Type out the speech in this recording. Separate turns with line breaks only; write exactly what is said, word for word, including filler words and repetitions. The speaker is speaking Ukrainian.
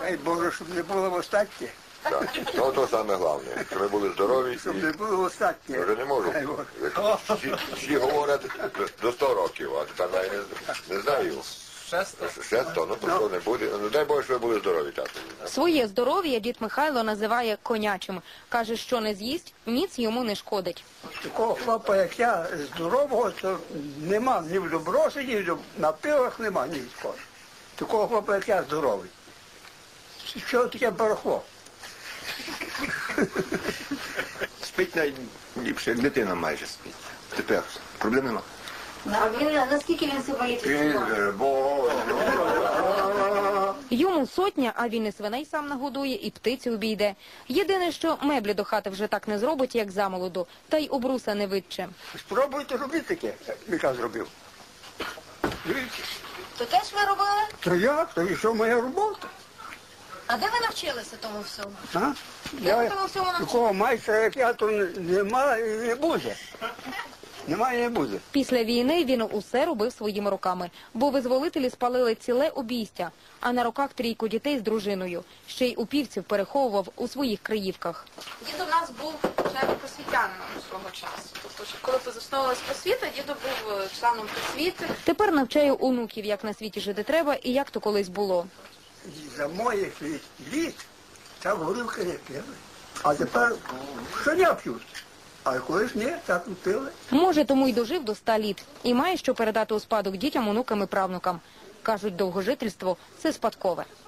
Дай Боже, щоб не було останнє.
Так, ну то саме головне, щоб ви були здорові.
Щоб не було останнє.
Я вже не можу. Всі, всі говорять до сто років, а тепер я не, не знаю.
Шесто.
Шесто, ну то що не буде. Ну дай Боже, щоб ви були здорові, тато.
Своє здоров'я дід Михайло називає конячим. Каже, що не з'їсть, ніц йому не шкодить.
Такого хлопа, як я, здорового, то нема ні в добросі, ні в напилах нема, ні в кого. Такого хлопа, як я, здоровий. Що таке барахло?
Спить найліпше, як дитина майже спить. Тепер проблем нема.
А він, наскільки він себе лічить?
Йому сотня, а він і свиней сам нагодує, і птиці обійде. Єдине, що меблі до хати вже так не зробить, як замолоду, та й обруса не витче.
Спробуйте робити таке, як я зробив. Дивіться.
То теж ви робили?
То як? То і що моя робота?
А де ви навчилися тому всьому?
А?
Де
Я
ви тому всьому навчилися?
такого майстра, як я, то нема і не буде. Немає і не буде.
Після війни він усе робив своїми руками, бо визволителі спалили ціле обійстя, а на руках трійку дітей з дружиною. Ще й упівців переховував у своїх криївках.
Дід у нас був членом просвітянином свого часу. Тобто, коли засновувалась просвіта, дідо був членом просвіти.
Тепер навчає онуків, як на світі жити треба і як то колись було.
За моїх літ так горілки не пили. А тепер щодня п'ють. А колись ні, так не пили.
Може, тому й дожив до ста літ. І має що передати у спадок дітям, онукам і правнукам. Кажуть, довгожительство – це спадкове.